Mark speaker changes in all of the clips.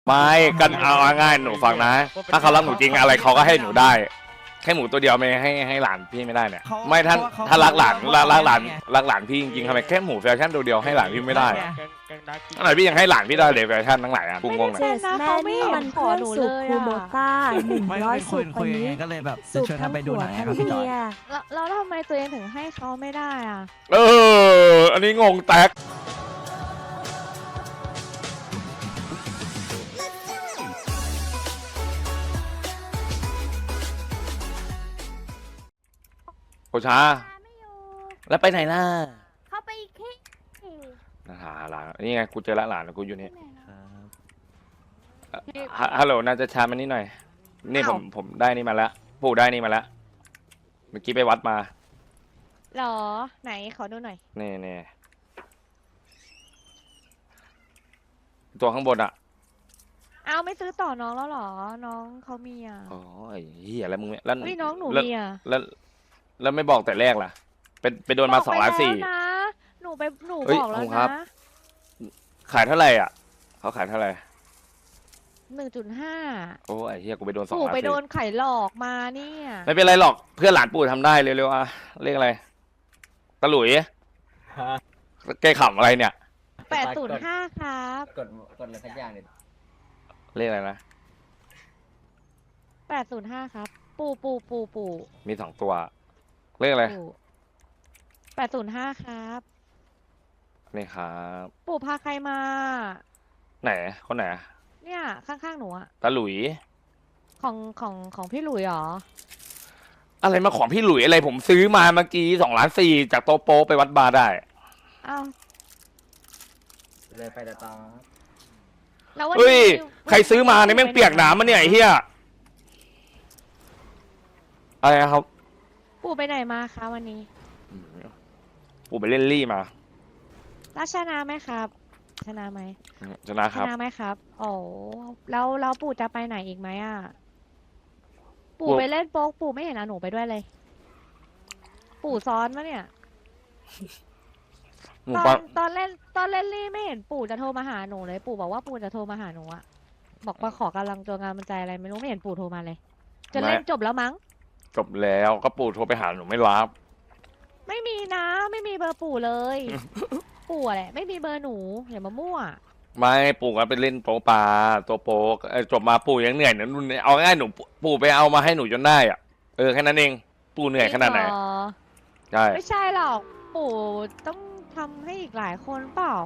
Speaker 1: ไม่กันเอาง่ายหนูฟังนะ ถ้าเขารักหนูจริงอะไรเขาก็ให้หนูได้แค่หมูตัวเดียวไม่ให้หลานพี่ไม่ได้เนี่ยไม่ถ้ารักหลานพี่จริงๆทำไมแค่หมูแฟชั่นตัวเดียวให้หลานพี่ไม่ได้ตั้งไหนพี่ยังให้หลานพี่ได้เลยแฟชั่นทั้งหลายอ่ะกูงงเลย
Speaker 2: เจสแม่นี่มันเพื่อนสุกคูโบต้า100สุก
Speaker 3: คุ
Speaker 2: วัน
Speaker 3: ย
Speaker 2: นี้
Speaker 3: ก็เลยแบบ
Speaker 2: สุก
Speaker 3: ชวน
Speaker 2: ทั้
Speaker 3: เขา
Speaker 2: ง
Speaker 3: ไปดู
Speaker 2: ผัว
Speaker 3: หนัง
Speaker 2: ทั้ง
Speaker 3: ครับพี่จอย
Speaker 2: เมีย
Speaker 4: แล้วทำไมตัวเองถึงให้เขาไม่ได้อ่ะ
Speaker 1: อันนี้งงแตกโคชาแล้วไปไหนล่ะ
Speaker 4: เขาไปอีกที่
Speaker 1: หาหลานนี่ไงกูเจอละหลานกูอยู่นี่ฮัลโหลน่าจะชามันนี่หน่อยนี่ผมได้นี่มาแล้วปู่ได้นี่มาแล้วเมื่อกี้ไปวัดมา
Speaker 4: หรอไหนขอดูหน่อย
Speaker 1: นี่ตัวข้างบนอ่ะ
Speaker 4: เอาไม่ซื้อต่อน้องแล้วหรอน้องเขามีอ่ะ
Speaker 1: โอ้ยเฮียแล้วมึงแล้ว
Speaker 4: อุ้ยน้องหนูมีอ่ะ
Speaker 1: แล้วไม่บอกแต่แรกล่ะไปโดนมา2,400,000
Speaker 4: หนู
Speaker 1: เฮ้ย
Speaker 4: บอกแล้ว
Speaker 1: ผมครั
Speaker 4: นะ
Speaker 1: บ ขายเท่าไหร่อ่ะเขาขายเท่าไหร่
Speaker 4: 1.5
Speaker 1: โอ้ยเฮียกูไปโดน2,400,000
Speaker 4: ปู่ไปโดนไข่หลอกมาเนี่ย
Speaker 1: ไม่เป็นไรหรอกเพื่อนหลานปู่ทำได้เร็วๆอ่ะเรียกอะไรตะหลุยแกขำอะไรเนี่ย
Speaker 4: 805ครับ
Speaker 5: กดอะไรสักอย่างเนี่ย
Speaker 1: เรียกอะไรนะ
Speaker 4: 805ครับปู่
Speaker 1: มี2ตัวเรียกอะไร
Speaker 4: ปู่805ครับ
Speaker 1: นี่ครับ
Speaker 4: ปู่พาใครมา
Speaker 1: ไหนคนไหน
Speaker 4: เนี่ยข้างๆหนูอะ
Speaker 1: ตะหลุย
Speaker 4: ของพี่หลุยเหรอ
Speaker 1: อะไรมาของพี่หลุยอะไรผมซื้อมาเมื่อกี้2,400,000จากโตโปไปวัดบาร์ได้
Speaker 4: อ้าว
Speaker 5: เลยไปแต่ตอน
Speaker 4: แล้ววัน
Speaker 1: เฮ้ย
Speaker 4: นี้
Speaker 1: ใครซื้อมาเนี่ยแม่งเปียกน้ำมาเนี่ยไอ้เหี้ยอะไรนะครับ
Speaker 4: ปู่ไปไหนมาคะวันนี้
Speaker 1: ปู่ไปเล่นลี่มา
Speaker 4: แล้วชนะไหมครับ ชนะไหม
Speaker 1: ชนะครับ
Speaker 4: ชนะไหมครับโอ้แล้วปู่จะไปไหนอีกไหมอ่ะ ปู่ไปเล่นโป๊กปู่ไม่เห็นเอาหนูไปด้วยเลย ปู่ซ้อนมะเนี่ย
Speaker 1: หมู
Speaker 4: ต
Speaker 1: ป
Speaker 4: อ
Speaker 1: ลาน
Speaker 4: ตอนเล่นลี่ไม่เห็นปู่จะโทรมาหาหนูเลย ปู่บอกว่าปู่จะโทรมาหาหนูอะบอกมาขอกำลังตัวงานมันใจอะไรไม่รู้ไม่เห็นปู่โทรมาเลย จะเล่นจบแล้วมั้ง
Speaker 1: จบแล้วก็ปู่โทรไปหาหนูไม่รับ
Speaker 4: ไม่มีนะไม่มีเบอร์ปู่เลย ปู่อะแหละไม่มีเบอร์หนูอย่ามามั่ว
Speaker 1: ไม่ปู่ก็ไปเล่นโป๊ปลาตัวโป๊กจบมาปู่ยังเหนื่อยนะนุ่นเอาง่ายหนูปู่ไปเอามาให้หนูจนได้อ่ะแค่นั้นเองปู่เหนื่อยขนาดไหน
Speaker 4: จริงเรอ
Speaker 1: ใช่
Speaker 4: ไม่ใช่หรอกปู่ต้องทำให้อีกหลายคนเปล่า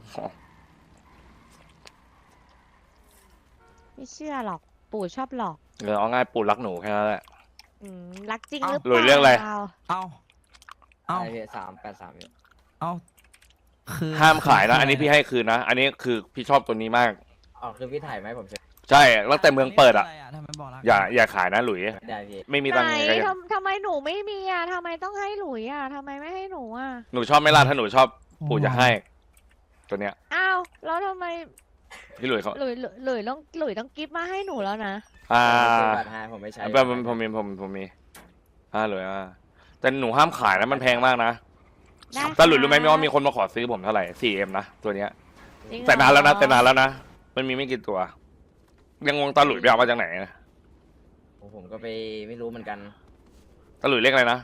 Speaker 4: ไม่เชื่อหรอกปู่ชอบหลอก
Speaker 1: เอาง่ายปู่รักหนูแค่นั้นแหละ
Speaker 4: รักจริงหรือเป
Speaker 1: หลุ
Speaker 4: ล่าย
Speaker 1: เรื่องอะไร
Speaker 3: เอา
Speaker 5: ไอพี383อยู่
Speaker 3: เอาคือ
Speaker 1: ห้ามขายนะอันนี้พี่ให้คืนนะอันนี้คือพี่ชอบตัวนี้มาก
Speaker 5: อ๋อคือพี่ถ่ายไหมผมเช็ค
Speaker 1: ใช่ตั้งแต่เมืองเปิดอ่ะ
Speaker 3: ทำไมบอกรัก
Speaker 1: อย่าขายนะหลุย
Speaker 5: ได้พี่
Speaker 1: ไม่มี
Speaker 4: ไหน
Speaker 1: ตังค์ไงก็ยัง
Speaker 4: ทำไมหนูไม่มีอ่ะทำไมต้องให้หลุยอ่ะทำไมไม่ให้หนูอ่ะ
Speaker 1: หนูชอบไหม่ล่ะถ้าหนูชอบปู่จะให้ ตัวเนี้ย
Speaker 4: อ้าวแล้วทำไม
Speaker 1: พี่หลุยเขา
Speaker 4: หลุยต้องกิฟต์มาให้หนูแล้วนะ
Speaker 5: ซื้อบัตรให้ผมไม่ใช้
Speaker 1: ผมมีหลุยแต่หนูห้ามขายนะมันแพงมากนะ
Speaker 4: ได้
Speaker 1: แต่หลุยรู้ไหม
Speaker 4: ค่ะ
Speaker 1: ว่ามีคนมาขอซื้อผมเท่าไหร่ 4M นะตัวเนี้ย
Speaker 4: จริงเหรอ
Speaker 1: แต่นานแล้วนะมันมีไม่กี่ตัว ยังงงตาหลุยไปเอามาจากไหนนะ
Speaker 5: ผมก็ไปไม่รู้เหมือนกัน
Speaker 1: ตาหลุยเรียกอะไรนะ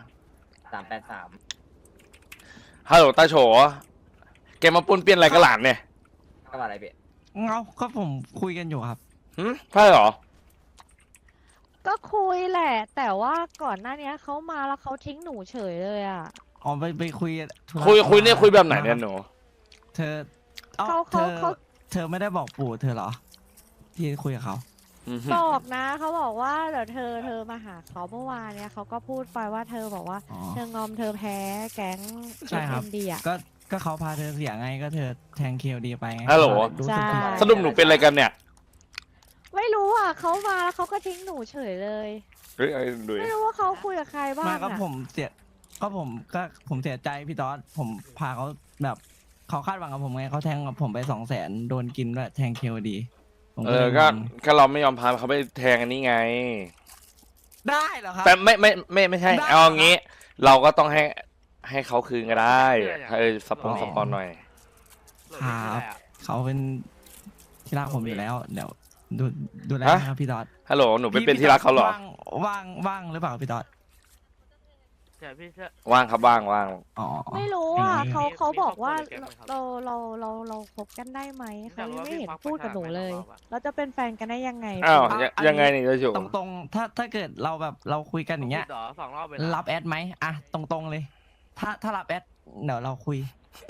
Speaker 5: 383
Speaker 1: ฮัลโหลตาโฉแกมาปุ้นเปี้ยนอะไรกับหลานเนี่ย
Speaker 5: ก็ว่าอะไรพี่
Speaker 3: ก็ผมคุยกันอยู่ครับ
Speaker 1: ใช่เหรอ
Speaker 4: ก็คุยแหละ แต่ว่าก่อนหน้านี้เขามาแล้วเขาทิ้งหนูเฉยเลยอ่ะ
Speaker 3: อ๋อไปคุยธุระ
Speaker 1: คุยเนี่ยคุยแบบไหนเนี่ยหนู
Speaker 3: เธอ
Speaker 4: เขา
Speaker 3: เธอไม่ได้บอกปู่เธอเหรอ ที่คุยกับเขา
Speaker 4: บอกนะเขาบอกว่าเดี๋ยวเธอมาหาเขาเมื่อวานเนี่ยเขาก็พูดไปว่าเธอบอกว่า
Speaker 3: อ๋อ
Speaker 4: เธองอมเธอแพ้แก๊ง
Speaker 3: ใช่ครับ
Speaker 4: ดีอ่ะ
Speaker 3: ก็เขาพาเธอเสียไงก็เธอแทงเคลดีไปไง
Speaker 1: ฮัลโหล
Speaker 3: รู้สึกผิด
Speaker 4: ใช่
Speaker 1: สรุปหนูเป็นอะไรกันเนี่ย
Speaker 4: ไม่รู้อ่ะเขามาแล้วเขาก็ทิ้งหนูเฉยเลย
Speaker 1: เฮ้ยหลุย
Speaker 4: ไม่รู้ว่าเขาคุยกับใครบ้าง
Speaker 3: ไมาก็
Speaker 4: อ่ะ
Speaker 3: ผมเสียใจพี่ต๊อดผมพาเขาแบบเขาคาดหวังกับผมไงเขาแทงกับผมไป200,000โดนกินด้วยแทงเคลดีผมเลย
Speaker 1: ก็เราไม่ยอมพาเขาไปแทงอันนี้ไง
Speaker 3: ได้เหรอครับ
Speaker 1: แต่ไม่ใช่
Speaker 3: ได้
Speaker 1: เอางี้ เราก็ต้องให้เขาคืนก็ได้สปอนหน่อย
Speaker 3: ครับเขาเป็นที่รักผมอยู่แล้วเดี๋ยวดูดูแล
Speaker 1: ฮะ
Speaker 3: นะครับพี่ตอด
Speaker 1: ฮัลโหลหนูเป็นที่รักเขาเหรอ
Speaker 3: ว่างหรือเปล่าพี่ตอด
Speaker 6: ใช่พี่เชื่อ
Speaker 1: ว่างครับว่างว่าง
Speaker 3: อ๋อ
Speaker 4: ไม่รู้อ่ะ
Speaker 3: อย่างนี้
Speaker 4: เขาบอกว่า
Speaker 6: มีครอบครัวหรือแก๊งไหมครับ
Speaker 4: เราคบกันได้ไหม
Speaker 6: อยา
Speaker 4: เขา
Speaker 6: กรู้
Speaker 4: ยัง
Speaker 6: ว่า
Speaker 4: ไม่เห็น
Speaker 6: พี่ควัก
Speaker 4: พูดกับหนูเลย
Speaker 6: ประชาชนไหมครับ
Speaker 4: เราจะเป็นแฟนกันได้ยังไง
Speaker 1: อ้าว
Speaker 3: อ่ะ
Speaker 1: ยังไงนี่จะอยู่
Speaker 3: ตรงๆถ้าเกิดเราแบบเราคุยกันอย่างเงี้ย
Speaker 6: พูดหรอ2 รอบเลย
Speaker 3: รับแอดไหมอ่ะตรงๆเลย ถ้ารับแอดเดี๋ยวเราคุย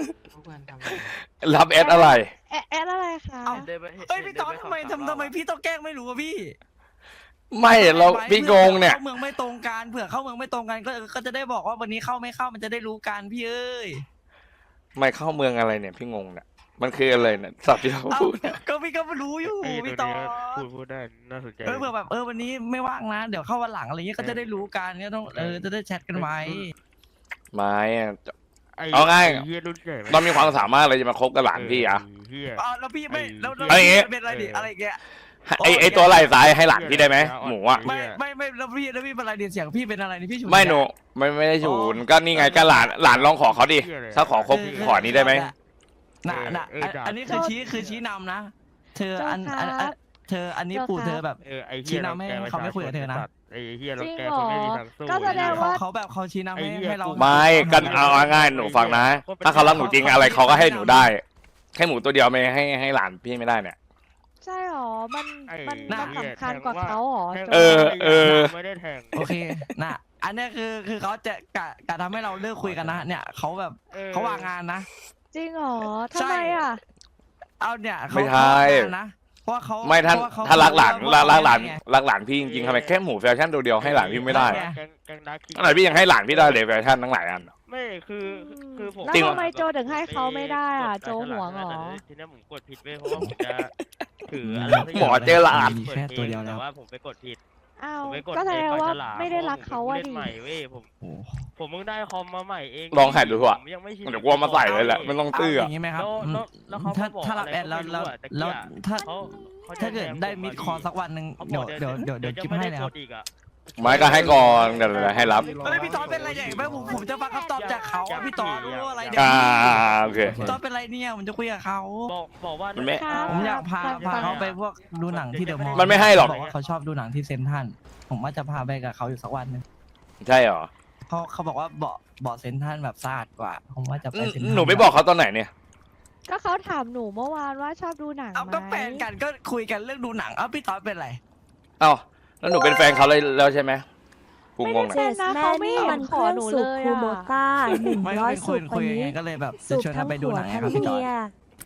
Speaker 1: รับแอดอะไร
Speaker 4: แอะอะไรคะ
Speaker 3: เอ้า
Speaker 6: เดินไป
Speaker 3: เฮ้ยพี่ตอดทำไม
Speaker 6: เดินป
Speaker 3: ทำไมพี่ต้องแกล้งไม่รู้อะพี่
Speaker 1: ไม่เรา
Speaker 3: ไว้
Speaker 1: พี่งงเนี่ย
Speaker 3: เข้าเมืองไม่ตรงกันเผื่อเข้าเมืองไม่ตรงกันก็จะได้บอกว่าวันนี้เข้าไม่เข้ามันจะได้รู้กันพี่เอ้ย
Speaker 1: ไม่เข้าเมืองอะไรเนี่ยพี่งงเนี่ยมันคืออะไรเนี่ยสับที่เรา
Speaker 3: เอ้า
Speaker 1: พูดเนี่ย
Speaker 3: ก็พี่ก็รู้อยู่
Speaker 6: ไอ้
Speaker 3: พี่
Speaker 6: ตัว
Speaker 3: ตอ
Speaker 6: นี้
Speaker 3: ด
Speaker 6: พูดได้น่าสนใจ
Speaker 3: เผื่อแบบวันนี้ไม่ว่างนะเดี๋ยวเข้าวันหลังอะไรเงี้ยก็จะได้รู้กันเนี่ยต้องจะได้แชทกันไว้
Speaker 1: ไม่อะ
Speaker 6: ไอ้
Speaker 1: เอาง่าย
Speaker 6: เฮียรุ่นใหญ่
Speaker 1: เรามีความสามารถอะไรจะมาคบกับหลานพี่อะ
Speaker 6: เฮีย
Speaker 3: อ๋อแล้วพี่ไม่แล้ว
Speaker 1: เอาอย่างงี้
Speaker 3: พี่เป็นอะไรดิอะไรอย่างเงี้ย
Speaker 1: ไอตัวไหล่ซ้ายให้หลานพี่ได้ไหมหมูอะ
Speaker 3: ไม่แล้วพี่เป็นอะไรดิเสียงพี่เป็นอะไรนี่พี่ฉุน
Speaker 1: ไม่หนูไม่ได้ฉุนก็นี่ไงก็หลานลองขอเขาดิถ้าขอคบขอนี้ได้ไหม
Speaker 3: น่ะอันนี้คือชี้นำนะ เธอเธออันนี้ปู่เธอแบบ
Speaker 6: ไอ้เฮี
Speaker 3: ชี้
Speaker 6: ย
Speaker 3: นำให้เขาไม่คุยกับเธอนะ
Speaker 6: ไอ้เฮียเรา
Speaker 4: จริง
Speaker 6: แก
Speaker 4: เหร
Speaker 6: คน
Speaker 4: อ
Speaker 6: ไม่มีทางสู้
Speaker 4: ก็แสดงว่า
Speaker 3: เขาแบบเขาชี้นำให้เรา
Speaker 1: ไม่กันเอาง่ายๆหนูฟังนะ ถ้าเขารักหนูจริงอะไรเขาก็ให้หนูได้ แค่หมูตัวเดียวไม่ให้หลานพี่ไม่ได้เนี่ย
Speaker 4: ใช่หรอ มัน
Speaker 6: ไอ้
Speaker 4: สำคัญกว่าเขาหรอ
Speaker 6: แทง
Speaker 4: โจ
Speaker 1: เออ
Speaker 6: ไม่ได้แทง
Speaker 3: โอเคนะอันนี้คือเขาจะกะทำให้เราเลิกคุยกันนะเนี่ยเขาแบบเขาวางงานนะ
Speaker 4: จริงเหรอทำไมอ่ะ
Speaker 3: เอาเนี่ย
Speaker 1: ไม่ใช่
Speaker 3: เขาวางงานนะเพราะว่าเขา
Speaker 1: ไม่ท่าน
Speaker 3: เพระว่เข
Speaker 1: ถ้ารักหลาน
Speaker 3: เพระว่
Speaker 1: รักหลาน
Speaker 3: ไง
Speaker 1: รักหลานพี่จริงๆทำไมแค่หมูแฟชั่นตัวเดียวให้หลานพี่ไม่ได้
Speaker 3: ไง
Speaker 6: แกงดาร์ก
Speaker 1: ขนาดพี่ยังให้หลานพี่ได้เลยแฟชั่นทั้งหลายอัน
Speaker 6: ไม่คือผม
Speaker 4: แล้ว
Speaker 1: จริงเหรอ
Speaker 4: ทำไมโจถึงให้เขาไม่ได้อ่ะ โจห่วงเหรอ
Speaker 6: ทีนี้ผมกดผิดเว้ยเพราะว่าผมจะถืออะไรสัก
Speaker 1: หมอเจอหลาน
Speaker 3: มีแค่ตัวเดียวแล้ว
Speaker 6: แต่ว่าผมไปกดผิด
Speaker 4: อ้าว
Speaker 6: ผมไปกด
Speaker 4: ก็แสดงว่า
Speaker 6: ปลฉล
Speaker 4: ไม่ได้รักเขาอ่ะ
Speaker 6: ล่น
Speaker 4: ดิ
Speaker 6: ใหม่เว้ยผม
Speaker 3: โอ้
Speaker 6: ผมเพิ่งได้คอมมาใหม่เอง
Speaker 1: ลองหัดดูเถอะ
Speaker 6: ผมยังไม่ชิน
Speaker 1: เดี๋ยวกลัวมาใส่เลยแหละไม่ต้อง
Speaker 3: เอา
Speaker 1: ตื้อ
Speaker 3: อ
Speaker 1: อะ
Speaker 3: ย่างนี้ไหมครับ
Speaker 6: แล้วเขา
Speaker 3: ถ้า
Speaker 6: ก็บอก
Speaker 3: ถ้ารับแอดแล้ว
Speaker 6: อะไรก็ไม่รู้อะตะกี้อะ
Speaker 3: ถ้า
Speaker 6: เขาจะ
Speaker 3: ถ้าเกิด
Speaker 6: แทง
Speaker 3: ได้
Speaker 6: ผม
Speaker 3: มิด
Speaker 6: อะ
Speaker 3: คอสักวันหนึ่ง
Speaker 6: เขาบ
Speaker 3: เดี๋
Speaker 6: อ
Speaker 3: ยว
Speaker 6: ก
Speaker 3: เดี๋ยว
Speaker 6: จะ
Speaker 3: กิ๊บ
Speaker 6: ไม่
Speaker 3: ให้
Speaker 6: ได้
Speaker 3: เลยค
Speaker 6: ก
Speaker 3: รับ
Speaker 6: ดอีกอะ
Speaker 1: ไม่ก็ให้ก่อนเดี๋ยวให้รับ
Speaker 3: เฮ้ยพี่ตอนเป็นอะไรใหญ่ไหมผมจะฟังคำตอบจากเขาอะพี่ตอนรู้อะไรเดี๋ยว
Speaker 1: โอเค
Speaker 3: พี่ตอนเป็นอะไรเนี่ยผมจะคุยกับเขา
Speaker 6: บอกว่า
Speaker 1: มันไม่
Speaker 3: ผมอยากพาเขาไปพวกดูหนังที่เดอะมอลล์
Speaker 1: มันไม่ให้หรอก
Speaker 3: บอกว่าเขาชอบดูหนังที่เซนทรัลผมว่าจะพาไปกับเขาอยู่สักวันหนึง
Speaker 1: ใช่เหรอ
Speaker 3: เขาบอกว่าเบาะเซนทรัลแบบสะอาดกว่า ผมว่าจะไปเซนทรัล
Speaker 1: หนูไม่บอกเขาตอนไหนเนี่ย
Speaker 4: ก็เขาถามหนูเมื่อวานว่าชอบดูหนัง
Speaker 3: เอา
Speaker 4: ไหม
Speaker 3: ก็แฟนกันก็คุยกันเรื่องดูหนังเอาพี่ตอนเป็นอะไร
Speaker 1: เอ้าแล้วหนูเป็นแฟนเขาเลยแล้วใช่ไหมกูงง
Speaker 2: เจ
Speaker 1: อ่ะ
Speaker 2: สแม่นี่มันเครื่องสูบคูโบต้า
Speaker 3: ไม่
Speaker 2: 100
Speaker 3: เป็น
Speaker 2: สู
Speaker 3: คุย
Speaker 2: บวัน
Speaker 3: ไง
Speaker 2: นี้
Speaker 3: ก็เลยแบบจะ
Speaker 2: สูบ
Speaker 3: ชวน
Speaker 2: ทั้
Speaker 3: กัน
Speaker 2: ง
Speaker 3: ไปดู
Speaker 2: ผัว
Speaker 3: หนังไง
Speaker 2: ทั้ง
Speaker 3: ครับพี่ตอน
Speaker 2: เมีย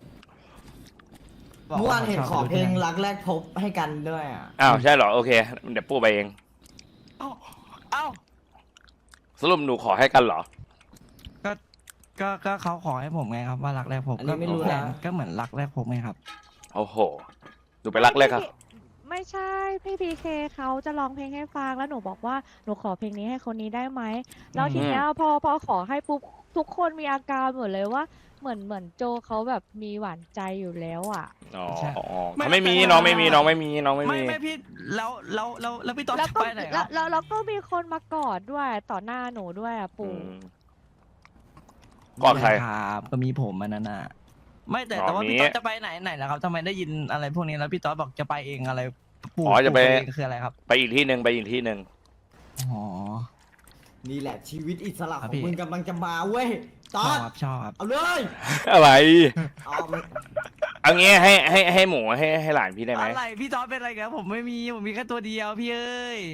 Speaker 3: บอก
Speaker 7: เมื่อวาน
Speaker 3: ข
Speaker 7: เห็น
Speaker 3: ชบ
Speaker 7: ขอ
Speaker 3: ดู
Speaker 7: เพลง
Speaker 3: หนั
Speaker 7: รักแรกพบให้กันด้วยอ่ะ
Speaker 1: อ้าวใช่เหรอโอเคเดี๋ยวปูไปเอง
Speaker 3: เอ้า
Speaker 1: สรุปหนูขอให้กันเหรอ
Speaker 3: ก็เขาขอให้ผมไงครับว่ารักแรกพบ
Speaker 7: อันนี้ไม่รู้นะ
Speaker 3: ก็เหมือนรักแรกพบไงครับ
Speaker 1: โอ้โหหนูไปรักเลยครับ
Speaker 4: ไม่ใช่พี่พีเคเขาจะร้องเพลงให้ฟังแล้วหนูบอกว่าหนูขอเพลงนี้ให้คนนี้ได้ไหมแล้วทีเนี้ยพอขอให้ปุ๊บทุกคนมีอาการหมดเลยว่าเหมือนโจเขาแบบมีหวานใจอยู่แล้วอ่ะ
Speaker 1: อ๋อ
Speaker 3: ใช่
Speaker 1: เขาไม่มีน้องไม่มีน้องไม่มีน้องไม่
Speaker 3: ไม่
Speaker 1: มี
Speaker 3: ไม่พี่แล้วพี่ตอน
Speaker 4: แล้ว
Speaker 3: จะ
Speaker 4: ก็
Speaker 3: ไปไหนครับ
Speaker 4: แล้วก็มีคนมากอดด้วยต่อหน้าหนูด้วยอ่ะ
Speaker 1: อื
Speaker 4: ปู่
Speaker 1: มก่อนใคร
Speaker 3: ครับก็มีผมอันนั้นน่ะไม่แต่
Speaker 1: อ๋อ
Speaker 3: ว่า
Speaker 1: มี
Speaker 3: พี่ต๊อดจะไปไหนล่ะครับทำไมได้ยินอะไรพวกนี้แล้วพี่ต๊อดบอกจะไปเองอะไรปู่
Speaker 1: อ๋อจะไป
Speaker 3: ปู่เองคืออะไรครับ
Speaker 1: ไปอีกที่หนึ่งไปอีกที่หนึ่ง
Speaker 3: อ๋อ
Speaker 7: นี่แหละชีวิตอิสระ
Speaker 3: ครั
Speaker 7: ข
Speaker 3: บ
Speaker 7: อง
Speaker 3: พี่
Speaker 7: มึงกำลังจะมาเว้ยต
Speaker 3: ช
Speaker 7: อ
Speaker 3: อบ
Speaker 7: ด
Speaker 3: ครับชอบครับ
Speaker 7: เอาเลย
Speaker 1: อะไร
Speaker 7: เอามัน
Speaker 1: เอางี้ให้หมูให้หลานพี่ได้ไหม
Speaker 3: อะไรพี่ต๊อดเป็นอะไรกันผมไม่มีผมมีแค่ตัวเดียวพี่เอ้ย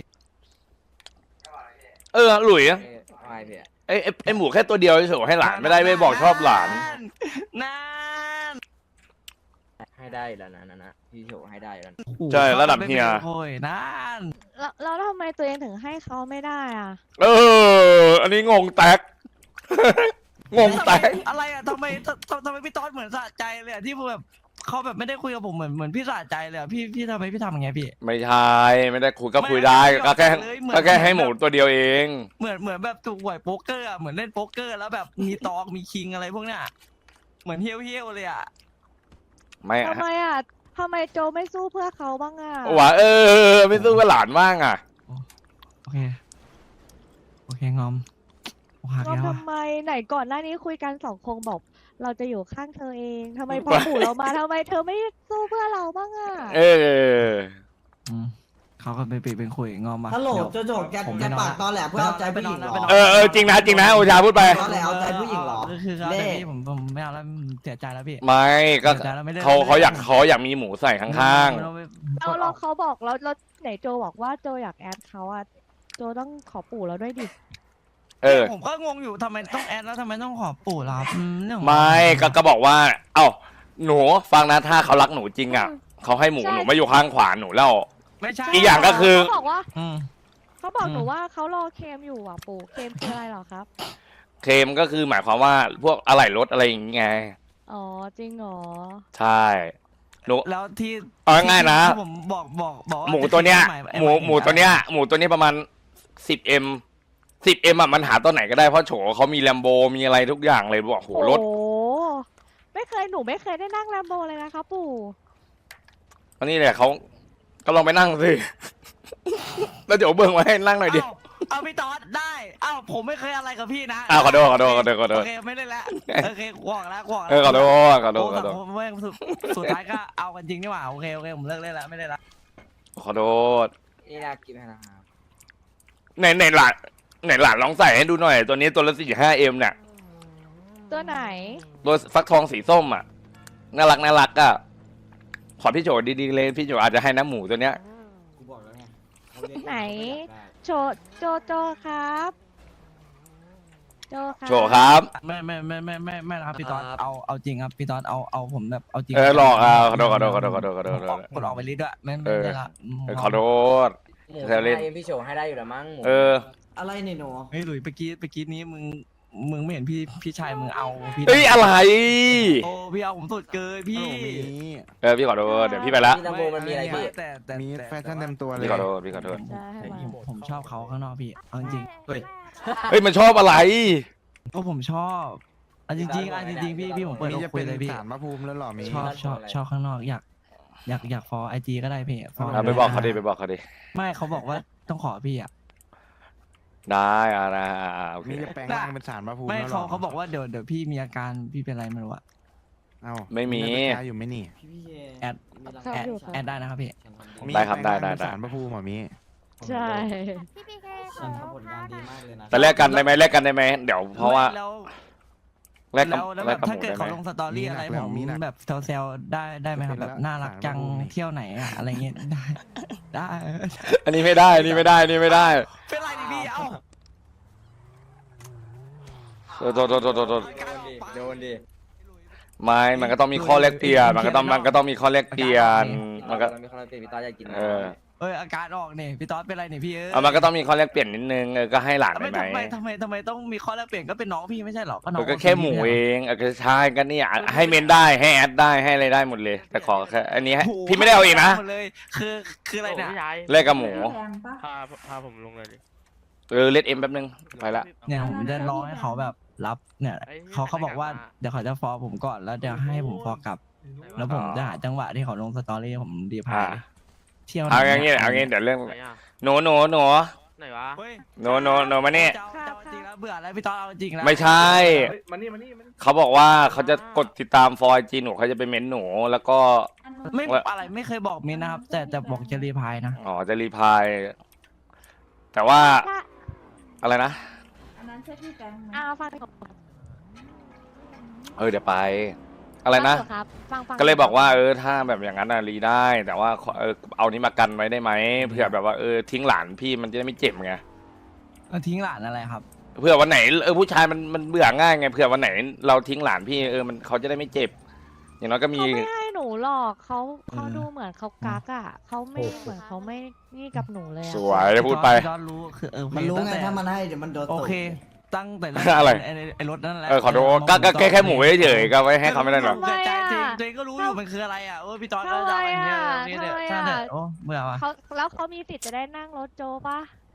Speaker 1: หลุย
Speaker 5: ไม่พี่อะ
Speaker 1: ไอหมูแค่ตัวเดียวเฉยๆให้หลานไม่ได้ไม่บอกชอบหลาน
Speaker 3: นั่น
Speaker 5: ให้ได้แล้วนะพี่โฉให้ได้แล้วนะ
Speaker 1: ใช่ระดับเฮีย
Speaker 3: โอ้ยนั่น
Speaker 4: แล้วทำไมตัวเองถึงให้เขาไม่ได้อ่ะ
Speaker 1: อันนี้งงแตก งงแตก
Speaker 3: อะไรอ่ะทำไมพี่ต๊อดเหมือนสะใจเลยอะที่แบบเขาแบบไม่ได้คุยกับผมเหมือนพี่สะใจเลยอะพี่ทำไมพี่ทำอย่างเงี้ยพี่
Speaker 1: ไม่ใช่ไม่ได้คุยก็คุยได้
Speaker 3: ไม่
Speaker 1: ก็แค่
Speaker 3: เลยเหมือน
Speaker 1: ก็แค่ให้หมูตัวเดียวเอง
Speaker 3: เหมือนแบบถูกหวยโป๊กเกอร์อะเหมือนเล่นโป๊กเกอร์แล้วแบบมีตอกมีคิงอะไรพวกเนี้ยเหมือนเฮี้ยวๆเลยอ่ะ
Speaker 1: ไม่
Speaker 4: ทำไมอ่ะทำไมโจไม่สู้เพื่อเขาบ้างอ่ะ
Speaker 1: ว่าไม่สู้กับหลานบ้างอ่ะ
Speaker 3: โอเคโอเคงอมหัก
Speaker 4: ก็
Speaker 3: แล้วอะ
Speaker 4: ทำไมไหนก่อนหน้านี้คุยกัน2 คนบอกเราจะอยู่ข้างเธอเองทำไมพอปู่เรามาทำไมเธอไม่สู้เพื่อเราบ้างอ่ะ
Speaker 1: เออ
Speaker 3: เขาก็เป็นคุยงอมมา
Speaker 7: ฮัลโหล
Speaker 3: เดี๋ยว
Speaker 7: โจโจแก
Speaker 3: ผม
Speaker 7: แก
Speaker 3: ไปนอน
Speaker 7: ปากตอแหลเพื่อเอาใจผู้หญิงเหรอ
Speaker 3: ไปนอน
Speaker 1: เออจริงนะจริงนะโอชาพูดไป
Speaker 7: ตอแหลเอาใจผู้หญิงเหรอ
Speaker 3: คือเขา
Speaker 7: เล่
Speaker 3: แต่พี่ผมไม่เอาแล้วเสียใจแล้วพี่
Speaker 1: ไม่ก็
Speaker 3: เสียใจแล้วไม่ได้
Speaker 1: เขาอยากมีหมูใส่ข้าง
Speaker 4: เราเขาบอกเราไหนโจบอกว่าโจอยากแอดเขาอ่ะโจต้องขอปู่เราด้วยดิ
Speaker 1: ๆเออ
Speaker 3: ผมก็งงอยู่ทำไมต้องแอดแล้วทำไมต้องขอปู่ล่ะครับเรื่องของ
Speaker 1: ไม่ก็บอกว่า เอ้าหนูฟังนะถ้าเขารักหนูจริงอ่ะเขาให้หมูหนูไม่อยู่ข้างขวาหนูแล้ว
Speaker 3: ไม่ใช่
Speaker 1: อีกอย่างก็คือ
Speaker 4: เขาบอกว่า
Speaker 3: อืม
Speaker 4: เขาบอกหนูว่าเขารอเคมอยู่อ่ะปู่เคมคืออะไรเหรอครับ
Speaker 1: เคลมก็คือหมายความว่าพวกอะไหล่รถอะไรอย่างเงี้ย
Speaker 4: อ๋อจริงเหรอ
Speaker 1: ใช่หนู
Speaker 3: แล้วที่
Speaker 1: เอาง่ายๆนะ
Speaker 3: ที่ผมบอกว่า
Speaker 1: หมูตัวเนี้ย
Speaker 3: ไอ้
Speaker 1: หมูตัวเนี้ยหมูตัวนี้ประมาณ10M 10M อ่ะมันหาตัวไหนก็ได้เพราะโฉเขามีแลมโบมีอะไรทุกอย่างเลยบอกโหรถ
Speaker 4: โอ้หนูไม่เคยได้นั่งแลมโบเลยนะคะปู่
Speaker 1: อันนี้แหละเขาก็ลองไปนั่งสิ แล้วเดี๋ยวเบิ่งมาให้นั่งหน่อยดิ
Speaker 3: เอาพี่ตอดได้ผมไม่เคยอะไรกับพี่นะ
Speaker 1: ขอโทษ
Speaker 3: โอเคไม่ได้แล้วโอเคกวอกแล้ว
Speaker 1: ขอโทษ
Speaker 3: ผมไม่สุดท้ายก็เอากันจริงนี่หว่าโอเคผมเลิกเล่นแล้วไม่ได้ละ
Speaker 1: ขอโทษ
Speaker 5: นี่น่ากินนะครับ
Speaker 1: ไหนหลานลองใส่ให้ดูหน่อย ตัวนี้ตัวละ45M เนี่ย
Speaker 4: ตัวไหน
Speaker 1: ตัวฟักทองสีส้มอ่ะน่ารักอ่ะขอพี่โจดีๆเลยพี่โจอาจจะให้น้ำหมูตัวเนี้ย
Speaker 7: กูบอกแล้วไงเขาเรียก
Speaker 4: ไหน โจครับโจครับ
Speaker 1: โจครับ
Speaker 3: ไม่นะครับพี่ตอดเอาจริงครับพี่ตอดเอาผมแบบเอาจริง
Speaker 1: หลอกขอโทษ
Speaker 3: กดออกไปลิดด้วยไม่ได้ละ
Speaker 1: ขอโทษ
Speaker 5: หมู
Speaker 1: แซวเล่น
Speaker 5: ให้พี่โฉให้ได้อยู่แล้วมั้งหมู
Speaker 7: อะไรเนี่ยหนู
Speaker 3: เฮ้ยหลุยเมื่อกี้นี้มึงไม่เห็นพี่ชายมึงเอาพี่
Speaker 1: เฮ้ยอะไร
Speaker 3: โอ้พี่เอาผมสุดเกินพี่
Speaker 1: พี่ขอโทษเดี๋ยวพี่ไปละ
Speaker 5: พี่ตัมโบมันมีอะไรพี่
Speaker 3: แต่
Speaker 8: มีแฟชั่นเต็มตัวเลย
Speaker 1: พี่ขอโทษพี่ขอโทษ
Speaker 3: ผมชอบเขาข้างนอกพี่เอาจริง
Speaker 1: เฮ้ยมันชอบอะไร
Speaker 3: ก็ผมชอบเอาจริงพี่ผมเปิด
Speaker 8: มี
Speaker 3: อก
Speaker 8: จะ
Speaker 3: คุ
Speaker 8: เป็
Speaker 3: ย
Speaker 8: น
Speaker 3: เลยพี่
Speaker 8: สารพระภูมิแล้วหรอมี
Speaker 3: ชอบข้างนอกอยากฟอไอจีก็ได้พี่ฟอ
Speaker 1: ไปบอกเขาดิไปบอกเขาดิ
Speaker 3: ไม่เขาบอกว่าต้องขอพี่อ่ะ
Speaker 1: ได้นะโอเค
Speaker 8: มีจะแปลงร่างเป็นสารพระภูมิ
Speaker 3: ไม่
Speaker 8: แล้วหรอ
Speaker 3: เขาบอกว่าเดี๋ยวพี่มีอาการพี่เป็นอะไรไม่รู้อะ
Speaker 8: เอ้า
Speaker 1: ไม่มี
Speaker 8: ตาอยู่ไหมนี่
Speaker 7: พี่เค
Speaker 3: แอด แอดได้นะครับพี่
Speaker 8: มี
Speaker 1: ได้ครับ
Speaker 8: แปลงาง
Speaker 1: ได้
Speaker 8: เป็นสารพระภูมิเหรอมี
Speaker 4: ใช่
Speaker 2: พี่พีเค
Speaker 7: ฉันทำผลงานดีมากเลยนะ
Speaker 1: แต่แลกกันได้ไหมเดี๋ยวเพราะว่า
Speaker 3: แล้ว
Speaker 1: แลกกับ
Speaker 3: แล้ว
Speaker 1: แล
Speaker 3: แบ
Speaker 1: ก
Speaker 3: บ
Speaker 1: กับห
Speaker 3: ถ้า
Speaker 1: มู
Speaker 3: เกิด
Speaker 1: ได้ไห
Speaker 3: เขา
Speaker 1: ม
Speaker 3: ลงสตอรี่อะไรผมแบบแซวๆได้ไหมครับแบบน่ารักจังเที่ยวไหนอะอะไรเงี้ยได้
Speaker 1: อันนี้ไม่ได้อันนี้ไม่ได้อันนี้ไม่ได้
Speaker 3: เป็นไรดิพี่เอ้า
Speaker 1: โทษ
Speaker 5: โดนดิ
Speaker 1: ไม่มันก็ต้องมีข้อแลกเปลี่ยนมันก็ต้องมีข้อแลกเปลี่ยนมันก็
Speaker 5: มีคนละเปลี่ยนพี่ตาอยากกิน
Speaker 3: อาการออกเนี่ยพี่ต๊อดเป็นไรเนี่ยพี่
Speaker 1: มันก็ต้องมีข้อแลกเปลี่ยนนิดนึงก็ให้หลานได้ไหม
Speaker 3: ทำไมต้องมีข้อแลกเปลี่ยนก็เป็นน้องพี่ไม่ใช่หรอก็น้อง
Speaker 1: ก็แค่หมูเองก็ใช่ก็นี่ให้เมนได้ให้แอดได้ให้อะไรได้หมดเลย แต่ขอแค่อันนี้พี่ไม่ได้เอาเองนะ
Speaker 3: เลยคืออะไรเนี่ย
Speaker 6: พี่ชาย
Speaker 1: แลกกับหมู
Speaker 6: พาผมลงเลยดิ
Speaker 1: เลดเอ็มแป๊บนึงไปละ
Speaker 3: เนี่ยผมจะรอให้เขาแบบรับเนี่ยเขาบอกว่าเดี๋ยวเขาจะฟอผมก่อนแล้วเดี๋ยวให้ผมฟอกลับ แล้วผมจะหาจังหวะที่เขาลงสตอรี่ผมดีพายเที่ยว
Speaker 1: เอาอย่างงี้เดี๋ยวเรื่อง
Speaker 6: ไหนอ่ะ
Speaker 1: หนู
Speaker 6: ไหนวะ
Speaker 1: หนูมานี่
Speaker 3: จริงแล้วเบื่อแล้วพี่ต๊อดเอาจริงแล้ว
Speaker 1: ไม่ใช่เขาบอกว่าเขาจะกดติดตามฟอยจีหนูเขาจะไปเม้นหนูแล้วก็
Speaker 3: ไม่อะไรไม่เคยบอกมินนะครับ แต่บอกจะรีพายนะ
Speaker 1: อ๋อจะรีพายแต่ว่าอะไรนะ
Speaker 2: อันนั้นใช่พี่แฟงไหม
Speaker 4: ฟัง
Speaker 1: เดี๋ยวไป อะไรนะ
Speaker 4: ครับฟัง
Speaker 1: ก็เลยบอกว่าถ้าแบบอย่างนั้นรีได้ แต่ว่าเอานี้มากันไว้ได้ไหมเผื่อแบบว่าทิ้งหลานพี่มันจะได้ไม่เจ็บไง
Speaker 3: ทิ้งหลานอะไรครับ
Speaker 1: เผื่อวันไหนผู้ชายมันเบื่อง่ายไงเผื่อวันไหนเราทิ้งหลานพี่มันเขาจะได้ไม่เจ็บ อย่างน้อยก็มี
Speaker 4: เขาไม่ให้หนูหรอกเขาดูเหมือนเขากักอ่ะเขาไม่เหมือนเขาไม่นี่กับหนูเลย
Speaker 1: สวยพูดไป
Speaker 3: พี่ต๊อดรู้คือ
Speaker 7: มันรู้
Speaker 3: ตั้ง
Speaker 7: ไง
Speaker 3: แต่
Speaker 7: ถ้ามันให้เดี๋ยวมันโดน
Speaker 3: โอ
Speaker 7: ตบ
Speaker 3: เคตั้งแต่
Speaker 1: อะไร
Speaker 3: ไอ้รถนั่นแหละ
Speaker 1: ขอโทษก็แค่หมูเฉยๆก็ไว้ให้เขาไม่ได้หรอก
Speaker 3: ใจตัวเองก็รู้อยู่มันคืออะไรอ่ะพี่ต๊อดก็จะอย่างเงี้ยช่างเถอะโอ้เบื่อว่ะ
Speaker 4: แล้วเขามีสิทธิ์จะได้นั่งรถโจปะ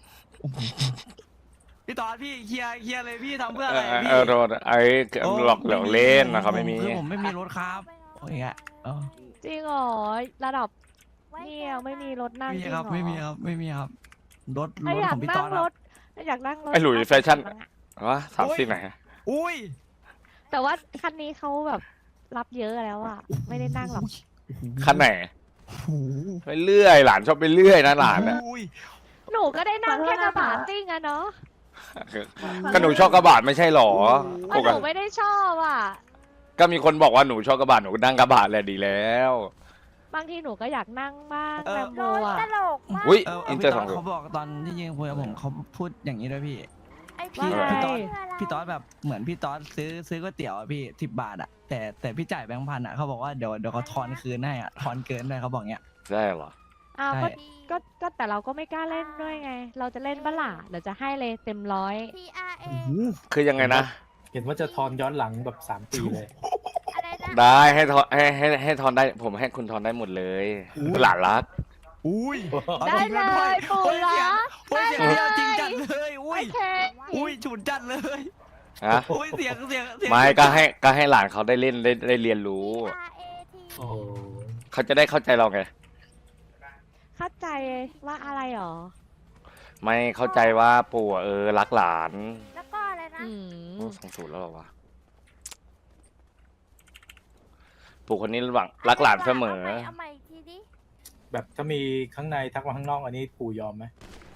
Speaker 3: พี่ต๊อดพี่เคลียร์เลยพี่ทำเพื่ออะไรพี่
Speaker 1: โดนหลอกเล่นนะเขาไม่มี
Speaker 3: คือผมไม่มีรถครับโอ้ยอ่ะ
Speaker 4: จริงเหรอระดับนี่ยังไม่มีรถนั่งจ
Speaker 3: ไม่
Speaker 4: ริ
Speaker 3: มี
Speaker 4: งเหร
Speaker 3: ค
Speaker 4: อ
Speaker 3: รับไม่มีครับรถ
Speaker 4: ถ้าอยา
Speaker 3: ข
Speaker 4: ก
Speaker 3: องพี่
Speaker 4: นั่
Speaker 3: ต๊อง ด
Speaker 4: รถอยากนั่งรถ
Speaker 1: ไอ้หลุยแฟชั่น วะ30ไหน
Speaker 3: อุ้ย
Speaker 4: แต่ว่าคันนี้เขาแบบรับเยอะแล้วอะไม่ได้นั่งหรอก
Speaker 1: คันไหน
Speaker 3: โอ้โห
Speaker 1: ไปเรื่อยหลานชอบไปเรื่อยนะหลานอะ
Speaker 3: อุ้ย
Speaker 4: หนูก็ได้นั่งแค่กระบะซิ่งอะเนาะ
Speaker 1: ก็หนูชอบกระบะไม่ใช่หรอ
Speaker 4: อ๋อหนูไม่ได้ชอบอะ
Speaker 1: ก็มีคนบอกว่าหนูชอบกระบะหนูก็นั่งกระบะแหละดีแล้ว
Speaker 4: บางทีหนูก็อยากนั่งบ้างแลมโบอะ
Speaker 1: อุ้ย
Speaker 3: เ
Speaker 1: อินเตอร์สอง
Speaker 3: เขาบอกตอนที่ยิงคุยกับผมเขาพูดอย่างนี้ด้วยพี่
Speaker 4: ว่า
Speaker 3: พี่ต๊อดแบบเหมือนพี่ต๊อดซื้อก๋วยเตี๋ยวอะพี่10 บาทอะแต่พี่จ่ายแบงค์พันอะเขาบอกว่าเดี๋ยวเขาทอนคืนให้อะทอนเกินด้วยเขาบอกเงี้ย
Speaker 1: ใช่เหรอ
Speaker 4: อ้าว
Speaker 3: ใช่
Speaker 4: ก็แต่เราก็ไม่กล้าเล่นด้วยไง เราจะเล่นบ้าล่ะเดี๋ยวจะให้เลยเต็มร้อย
Speaker 1: คือยังไงนะ
Speaker 9: เห็นว่าจะทอนย้อนหลังแบบ3 ปีเลย
Speaker 1: ได้ให้ทอนให้ทอนได้ผมให้คุณทอนได้หมดเลยหลานรัก
Speaker 3: อุ้ย
Speaker 4: ได้เลยปู่เหรอ
Speaker 3: โอ้ยเสียงเดียวจริงจัดเลยอุ้ย
Speaker 4: โอเค
Speaker 3: อุ้ยฉุนจัดเลย
Speaker 1: ฮะ
Speaker 3: อุ้ยเสียง
Speaker 1: ไม่ก็ให้หลานเขาได้เล่นได้เรียนรู้
Speaker 9: โอ้โห
Speaker 1: เขาจะได้เข้าใจเราไง
Speaker 4: เข้าใจว่าอะไรหรอ
Speaker 1: ไม่เข้าใจว่าปู่อะรักหลาน
Speaker 2: แล้วก็อะไรนะ
Speaker 4: อืม
Speaker 1: โอ้20แล้วเหรอวะปู่คนนี้หวังรักหลานเสมอ
Speaker 2: เอาใหม่อีกทีดิ
Speaker 9: แบบถ้ามีข้างในทักมาข้างนอกอันนี้ปู่ยอมไหม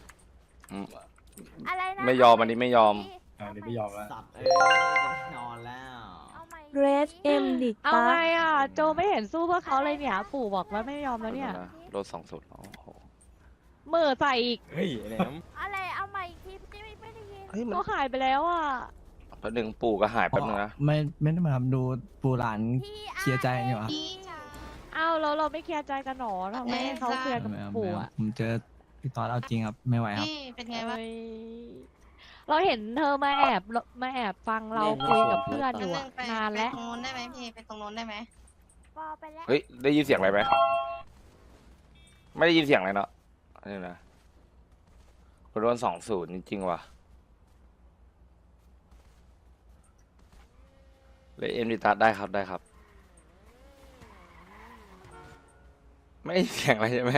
Speaker 2: อะไรนะ
Speaker 1: ไม่ยอมอันนี้ไม่ยอม
Speaker 9: เดี๋ยวไม่ยอมแล้ว
Speaker 7: สัตว์นอนแล้ว
Speaker 2: เอาใหม่
Speaker 10: เรสเอ็มดิ
Speaker 4: เอา
Speaker 10: ตา
Speaker 4: ไงอ่ะโจไม่เห็นสู้เพื่อเขาเลยเนี่ย ปู่บอกว่าไม่ยอมแล้วเนี่ย
Speaker 1: รถ20โอ้โห
Speaker 4: มือใส่อีก
Speaker 5: เฮ้ยแหลม
Speaker 2: อะไรเอาใหม่อีกทีไม่ได้ยิน
Speaker 4: ก็หายไปแล้วอ่ะ
Speaker 1: แป๊บนึงปู่ก็หายแป๊บนึงนะ
Speaker 3: ไม่ได้มาทำดูปูหลานเคลียร์ใจอยู่ครับ
Speaker 4: อ้าวแล้วเราไม่เคลียร์ใจกันหรอทำไมให้เขาเคลียร์กับปู่อ่ะ
Speaker 3: ผมเจอพี่ต๊อดเอาจริงครับไม่ไหวครับ
Speaker 2: เป็นไงวะ
Speaker 4: เฮ้ยเราเห็นเธอมาแอบฟังเราคุยกับเพื่อนอยู่อะนานแล้ว
Speaker 2: ตรงนู้นได้ไหมพี่ ไปตรงนู้นได้ไหมปอไปแล้ว
Speaker 1: เฮ้ยได้ยินเสียงอะไรไหมไม่ได้ยินเสียงอะไรเนาะนี่นะโดน20จริงๆว่ะเลยดิตัสได้ครับได้ครับ ไม่ได้ยินเสียงอะไรใช่ไหม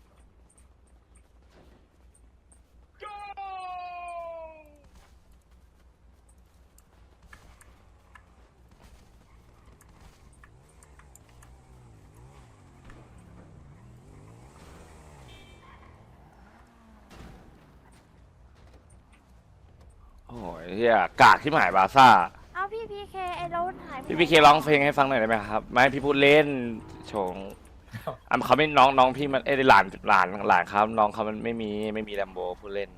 Speaker 1: โอ้ยเฮียกากที่หมายบาซ่า
Speaker 2: เอาพี่พีเคไอ้รถหายไป
Speaker 1: พี่เคร้องเพลงให้ฟังหน่อยได้ไหมครับ ไม่พี่พูดเล่นโฉงเขาไม่น้องพี่มันหลานครับน้องเขามันไม่มีแลมโบพูดเล่น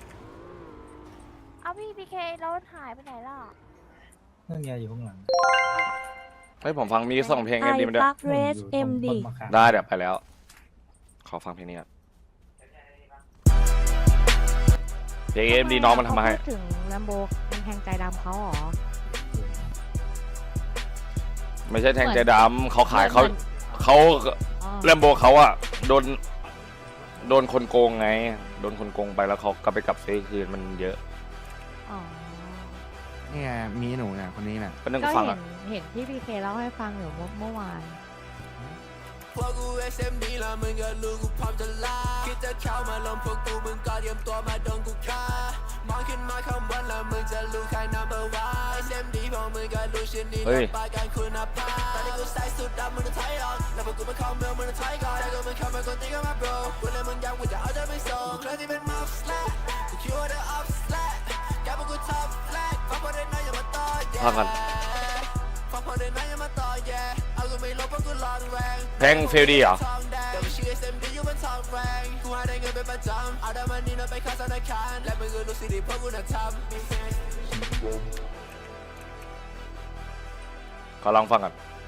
Speaker 2: เอาพี่พีเครถหายไปไหนล่ะ
Speaker 9: นั่นไงอยู่ข้างหลัง
Speaker 1: ให้ผมฟังมีส่งเพลง
Speaker 10: ไอ
Speaker 1: กันดีมันด้วย
Speaker 10: ตักเรสเอ็มดิ
Speaker 1: ได้เดี๋ยวไปแล้ว ขอฟังเพลงนี้ก่อนเพลงเอ็มดีน้องมันทำมาให้
Speaker 4: พูดถึงแลมโบมันแทงใจดำเขาเหรอ
Speaker 1: ไม่ใช่แทงใจดำเขาขายเขา
Speaker 4: อ๋อ
Speaker 1: แลมโบเขาอะโดนคนโกงไงโดนคนโกงไปแล้วเขาก็ไปกลับซื้อคืนมันเยอะ
Speaker 4: อ๋อ
Speaker 8: นี่ไงมีหนูเนี่ยคนนี้น่ะ
Speaker 1: ก็นึก
Speaker 4: ก็
Speaker 1: ฟัง
Speaker 4: เห็
Speaker 1: อะ
Speaker 4: นพี่พีเคเล่าให้ฟังอยู่เมื่อวาน
Speaker 11: พวกกู SMD แล้วมึงก็รู้กูพร้อมจะลาคิดจะเข้ามาลงพวกกูมึงก็เตรียมตัวมาโดนกูฆ่ามองขึ้นมาข้างบนแล้วมึงจะรู้ใคร number one SMD พวกมึงก็รู้ชิ้นนี้รับประกันคุณภาพตอนนี้กูใส่สุดดำมึงต้องถอยออกแล้วพวกกูมาเข้าเมืองมึงต้องถอยก่อนใจกูมันเข้ามาคนตีกันมา bro วันนี้มึงอยากกูจะเอาใจไปส่งเคยที่เป็นมัฟสแลกกูคิดว่า the up slack แกพวกกู top flag ฟังพอได้น้อยอย่ามาต่อ
Speaker 1: พักกัน
Speaker 11: ฟังพอได้น้อยอย่ามาต่อ yeah เอากูไม่ลบเพราะกูรอนแรง
Speaker 1: เพลงเฟลดีเหรอ
Speaker 11: แต่ว่าชื่อ SMD อยู่บนทองแรงกูหาได้เงินเป็นประจำเอาได้มันนี่นไปเข้าธนาคารและมึงก็รู้สิดีเพราะกูน่ะทำ
Speaker 1: ขอลองฟังก่อน